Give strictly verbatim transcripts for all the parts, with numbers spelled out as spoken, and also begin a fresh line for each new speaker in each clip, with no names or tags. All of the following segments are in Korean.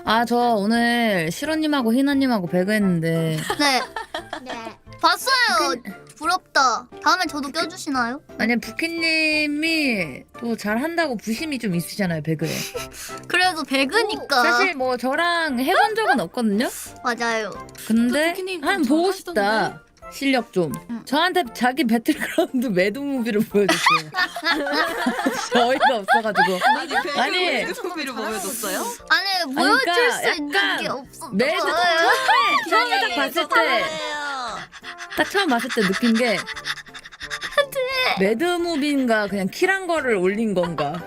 아, 저 오늘 시로님하고 희나님하고 배그했는데
네.
네.
봤어요. 부럽다. 다음에 저도 껴주시나요?
아니 부키님이 또 잘한다고 부심이 좀 있으시잖아요 배그에.
그래도 배그니까.
사실 뭐 저랑 해본 적은 없거든요.
맞아요.
근데
그 부키님
한
좀
보고
잘하시던데?
싶다. 실력 좀.
응.
저한테 자기 배틀그라운드 매드무비를 보여줬어요. 어이가 없어가지고.
아니
아니.
배그무비를 보여줬어요?
아니 보여줄
그러니까
수 있는
약간
게 없어.
매드 처음에 처음에 딱 봤을 때 딱 처음 봤을 때 느낀 게 매드무비인가 그냥 킬한 거를 올린 건가.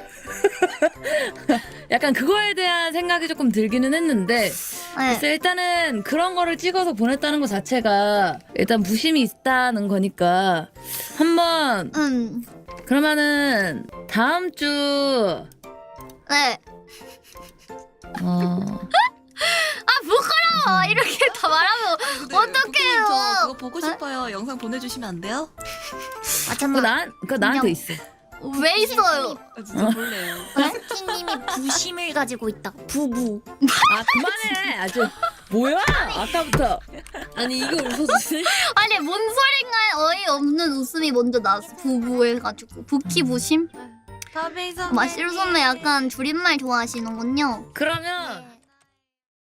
약간 그거에 대한 생각이 조금 들기는 했는데 글쎄
네.
일단은 그런 거를 찍어서 보냈다는 것 자체가 일단 부심이 있다는 거니까 한번
음.
그러면은 다음 주
네.
어,
아 부끄러워. 이렇게 다 말하면
근데
어떡해요?
부키님 저 그거 보고
네?
싶어요. 영상 보내주시면 안 돼요?
아
그거,
잠깐.
나, 그거 나한테 있어.
왜 있어요?
아, 진짜 볼래요.
부키님이 부심을 가지고 있다. 부부.
아 그만해 아주 뭐야 아까부터.
아니 이거 웃어주세요.
아니 뭔 소린가 어이없는 웃음이 먼저 나왔어. 부부 해가지고 부키 부심?
다베이 선배님.
마시로 선배 약간 줄임말 좋아하시는군요.
그러면